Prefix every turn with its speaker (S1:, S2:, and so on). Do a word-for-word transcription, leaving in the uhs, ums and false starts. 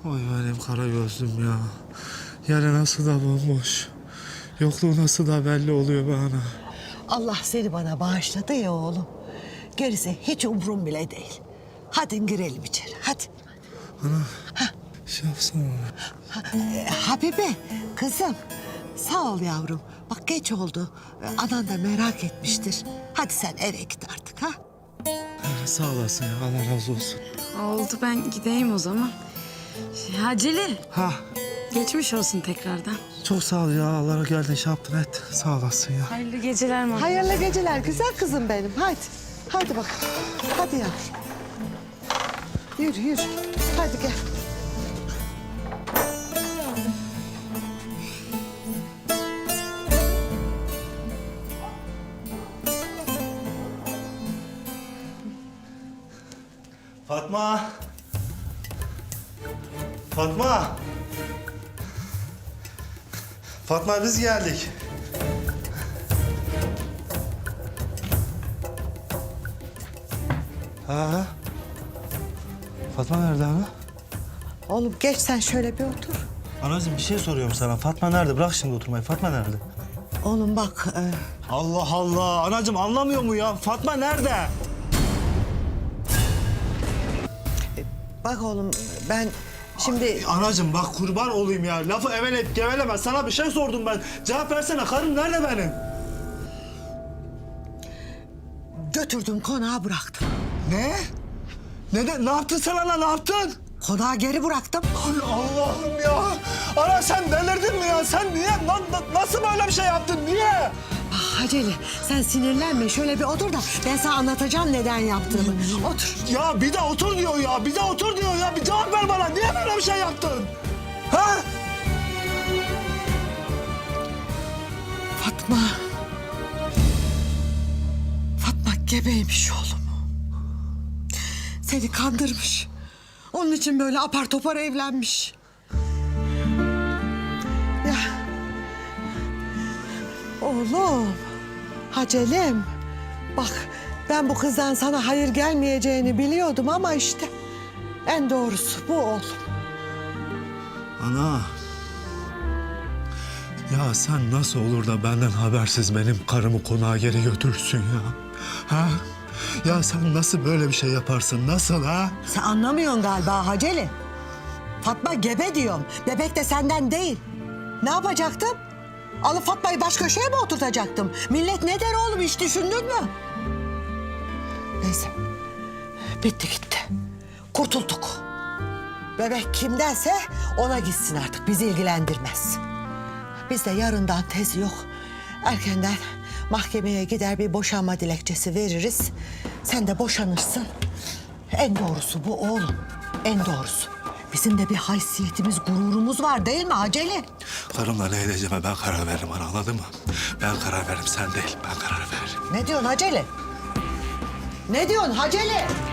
S1: Oy benim kara gözlüm ya. Yere nasıl da bomboş. Yokluğu nasıl da belli oluyor bana.
S2: Allah seni bana bağışladı ya oğlum. Gerisi hiç umrum bile değil. Hadi girelim içeri, hadi.
S1: Şey yapsana.
S2: Ha, e, Habibe, kızım. Sağ ol yavrum. Bak geç oldu. E, Anan da merak etmiştir. Hadi sen eve git artık ha.
S1: Ha, sağ olasın ya, Allah razı olsun.
S3: Oldu, ben gideyim o zaman. Haceli,
S1: Ha,
S3: geçmiş olsun tekrardan.
S1: çok sağ ol ya. Allah'a geldin şey yaptın et. Sağ olasın ya.
S3: Hayırlı geceler Mahmut.
S2: Hayırlı geceler güzel kızım benim. Hadi. Hadi bak. Hadi yavrum. Yürü yürü. Hadi gel.
S1: Fatma. Fatma. Fatma biz geldik. Ha. Fatma nerede ana?
S2: Oğlum geç sen şöyle bir otur.
S1: Anacığım bir şey soruyorum sana. Fatma nerede? Bırak şimdi oturmayı. Fatma nerede?
S2: Oğlum bak. e,
S1: Allah Allah. Anacığım anlamıyor mu ya? Fatma nerede?
S2: bak oğlum ben şimdi...
S1: Anacığım bak kurban olayım ya. Lafı eveleyip geveleme. Sana bir şey sordum ben. Cevap versene. Karım nerede benim?
S2: Götürdüm konağa bıraktım.
S1: Ne? Ne, de, ne yaptın sen ana? Ne yaptın?
S2: Konağa geri bıraktım.
S1: Ay Allah'ım ya. Ana sen delirdin mi ya? Sen niye? Na, na- nasıl böyle bir şey yaptın? Niye?
S2: Ah Haceli sen sinirlenme şöyle bir otur da ben sana anlatacağım neden yaptığımı. Otur.
S1: Ya bir de otur diyor ya. Bir de otur diyor ya. Bir cevap ver bana. Niye böyle bir şey yaptın? Ha?
S2: Fatma. Fatma gebeymiş oğlum. Seni kandırmış. Onun için böyle apar topar evlenmiş. Ya. Oğlum. Hacelim. Bak ben bu kızdan sana hayır gelmeyeceğini biliyordum ama işte en doğrusu bu oğlum.
S1: Ana. Ya sen nasıl olur da benden habersiz benim karımı konağa geri götürürsün ya? Ha? Ya sen nasıl böyle bir şey yaparsın? Nasıl ha?
S2: Sen anlamıyorsun galiba Haceli. Fatma gebe diyorum. Bebek de senden değil. Ne yapacaktım? Alıp Fatma'yı baş köşeye mi oturtacaktım? Millet ne der oğlum hiç düşündün mü? Neyse. Bitti gitti. Kurtulduk. Bebek kimdense ona gitsin artık. Bizi ilgilendirmez. Biz de yarından tezi yok. Erkenden mahkemeye gider bir boşanma dilekçesi veririz. Sen de boşanırsın. En doğrusu bu oğlum. En doğrusu. Bizim de bir haysiyetimiz, gururumuz var değil mi Haceli?
S1: Karımla ne edeceğime ben karar veririm ana, anladın mı? Ben karar veririm, sen değil. Ben karar veririm.
S2: Ne diyorsun Haceli? Ne diyorsun Haceli?